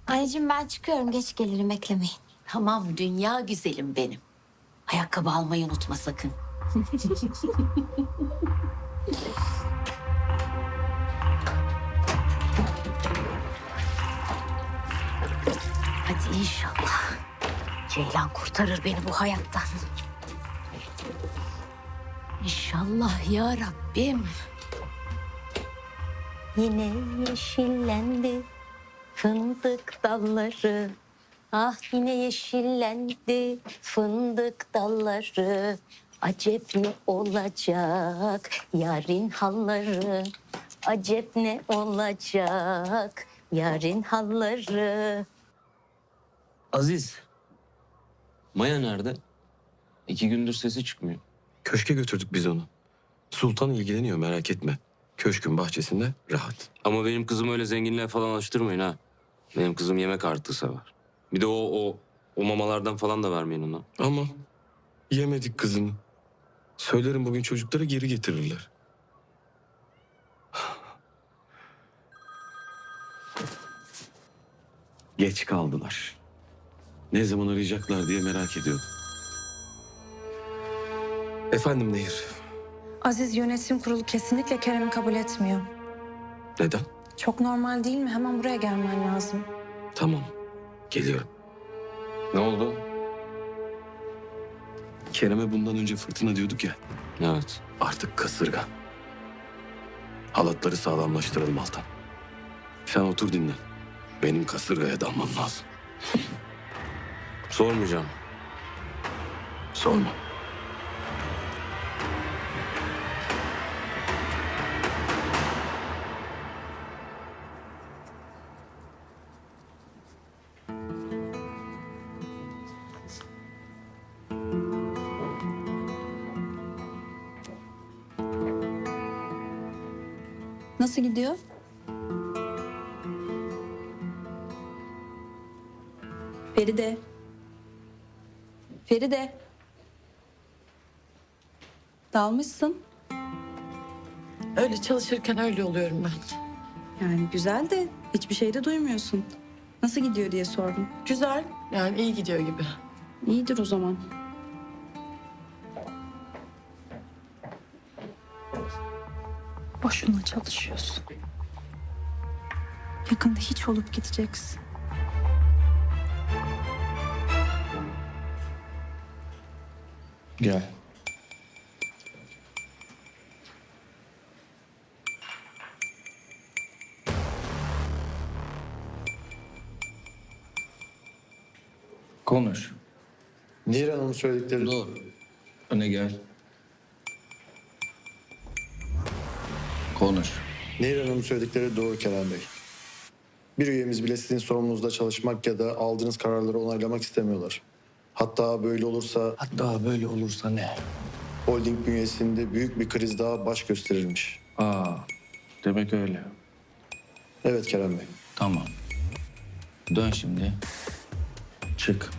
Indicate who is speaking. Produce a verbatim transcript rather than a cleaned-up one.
Speaker 1: Anneciğim ben çıkıyorum. Geç gelirim. Beklemeyin.
Speaker 2: Tamam dünya güzelim benim. Ayakkabı almayı unutma sakın. Hadi inşallah. Ceylan kurtarır beni bu hayattan. İnşallah ya Rabbim. Yine yeşillendi fındık dalları. Ah yine yeşillendi fındık dalları. Acep ne olacak yarın halları. Acep ne olacak yarın halları.
Speaker 3: Aziz. Maya nerede? İki gündür sesi çıkmıyor.
Speaker 4: Köşke götürdük biz onu. Sultan ilgileniyor, merak etme. Köşkün bahçesinde rahat.
Speaker 3: Ama benim kızımı öyle zenginliğe falan alıştırmayın ha. Benim kızım yemek artığı sever. Bir de o o o mamalardan falan da vermeyin ona.
Speaker 4: Ama yemedik kızını. Söylerim bugün çocuklara geri getirirler. Geç kaldılar. Ne zaman arayacaklar diye merak ediyordum. Efendim Nehir.
Speaker 5: Aziz yönetim kurulu kesinlikle Kerem'i kabul etmiyor.
Speaker 4: Neden?
Speaker 5: Çok normal değil mi? Hemen buraya gelmen lazım.
Speaker 4: Tamam. Geliyorum.
Speaker 3: Ne oldu?
Speaker 4: Kerem'e bundan önce fırtına diyorduk ya.
Speaker 3: Evet.
Speaker 4: Artık kasırga. Halatları sağlamlaştıralım Altan. Sen otur dinlen. Benim kasırgaya dalmam lazım.
Speaker 3: Sormayacağım.
Speaker 4: Sorma.
Speaker 5: Nasıl gidiyor? Feride. Feride. Dalmışsın.
Speaker 6: Öyle çalışırken öyle oluyorum ben.
Speaker 5: Yani güzel de hiçbir şey de duymuyorsun. Nasıl gidiyor diye sordum.
Speaker 6: Güzel, yani iyi gidiyor gibi.
Speaker 5: İyidir o zaman. Boşuna çalışıyorsun. Yakında hiç olup gideceksin.
Speaker 7: Gel. Konuş.
Speaker 8: Nehir Hanım'ın söyledikleri
Speaker 7: Dur. Öne gel. Konuş.
Speaker 8: Nehir Hanım'ın söyledikleri doğru Kerem Bey. Bir üyemiz bile sizin sorumlunuzda çalışmak ya da aldığınız kararları onaylamak istemiyorlar. Hatta böyle olursa
Speaker 7: Hatta böyle olursa ne?
Speaker 8: holding bünyesinde büyük bir kriz daha baş gösterirmiş.
Speaker 7: Aa, demek öyle.
Speaker 8: Evet Kerem Bey.
Speaker 7: Tamam. Dön şimdi. Çık.